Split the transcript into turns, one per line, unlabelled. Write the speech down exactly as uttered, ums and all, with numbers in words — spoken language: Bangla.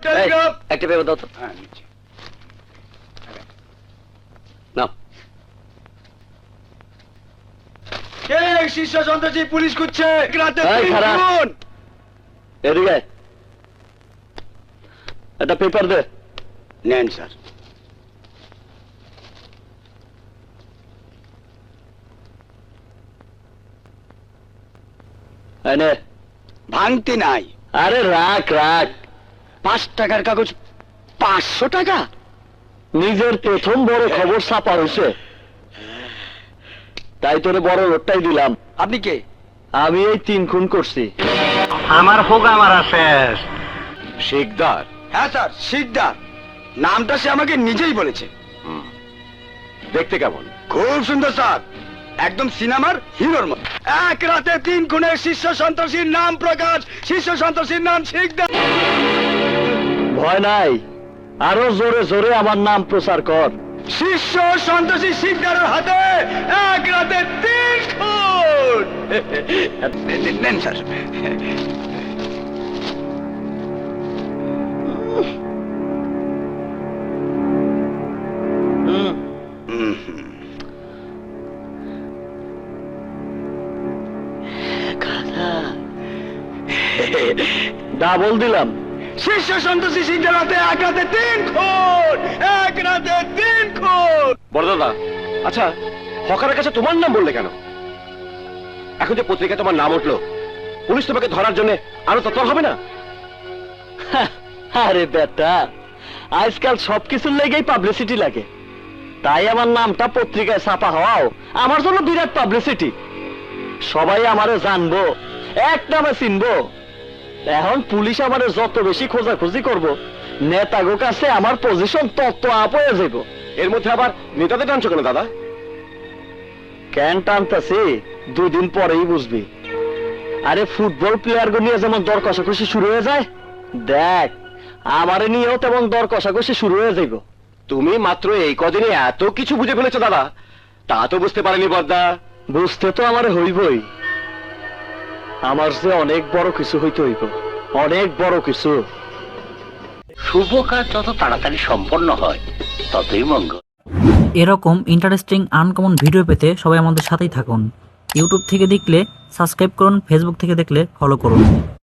টেলিগ্রাম।
একটা পেপার দাও তো।
হ্যাঁ নিচ্ছি।
নাও।
কে শীর্ষ সন্ত্রাসী পুলিশ খুঁজছে রাতে
এই,
তিন
খারাপ।
খুন।
এদিকে একটা পেপার দে।
নেন স্যার।
এই নে।
ভাঙতি নাই।
আরে রাখ রাখ।
পাঁচ টাকার কাগজ পাঁচশো টাকা।
নিজের প্রথম বড় খবর ছাপা হয়েছে, তাই তোরে বড় লোটটাই দিলাম।
আপনি কে?
আমি এই তিন খুন করছি।
আমার হোগা মারা শেষ।
শিকদার? হ্যাঁ স্যার শিকদার। নামটা সে আমাকে নিজেই বলেছে।
দেখতে কেমন?
খুব সুন্দর স্যার, একদম সিনেমার হিরোর মতো। এক রাতে তিন খুনের শীর্ষ সন্ত্রাসীর নাম প্রকাশ। শীর্ষ সন্ত্রাসীর নাম শিকদার।
ভয় নাই, আরো জোরে জোরে আমার নাম প্রচার কর।
শীর্ষ সন্ত্রাসী শিকদারের হাতে এক রাতে তিন খুন। নেন স্যার।
ডাবল দিলাম।
শীর্ষ সন্ত্রাসী শিকদার হাতে এক রাতে তিন খুন। এক রাতে তিন খুন।
বড় দাদা, আচ্ছা হকারের কাছে তোমার নাম বললে কেন? এখন যে পত্রিকায় তোমার নাম উঠলো, পুলিশ তোমাকে ধরার জন্য আরো তৎপর হবে না?
আরে বেটা, আজকাল সবকিছুর লেগেই পাবলিসিটি লাগে, তাই আমার নামটা পত্রিকায় ছাপা হওয়াও আমার জন্য বিরাট পাবলিসিটি। সবাই আমারে জানবো, এক নামে চিনবো। এখন পুলিশ আমারে যত বেশি খোঁজাখুঁজি করবো, নেতাগো কাছে আমার পজিশন তত আপ হয়ে যাব।
এর মধ্যে আবার নেতাদের টানছো কেন দাদা?
কেন টানতাছি দুদিন পরেই বুঝবি। আরে ফুটবল প্লেয়ার গো নিয়ে যেমন দর কষাকষি শুরু হয়ে যায়, দেখ আমারে নিয়েও তেমন দর কষাকষি শুরু হয়ে যাইব।
তুমি মাত্র এই কদিনে এত কিছু বুঝে ফেলেছো দাদা, তা তো বুঝতে পারেনি বর্দা।
বুঝতে তো আমারে হইবই, আমার যে অনেক বড় কিছু হইতে হইব, অনেক বড় কিছু।
শুভ কাজ যত তাড়াতাড়ি সম্পন্ন হয় ততই মঙ্গল।
এরকম ইন্টারেস্টিং আনকমন ভিডিও পেতে সবাই আমাদের সাথেই থাকুন। ইউটিউব থেকে দেখলে সাবস্ক্রাইব করুন, ফেসবুক থেকে দেখলে ফলো করুন।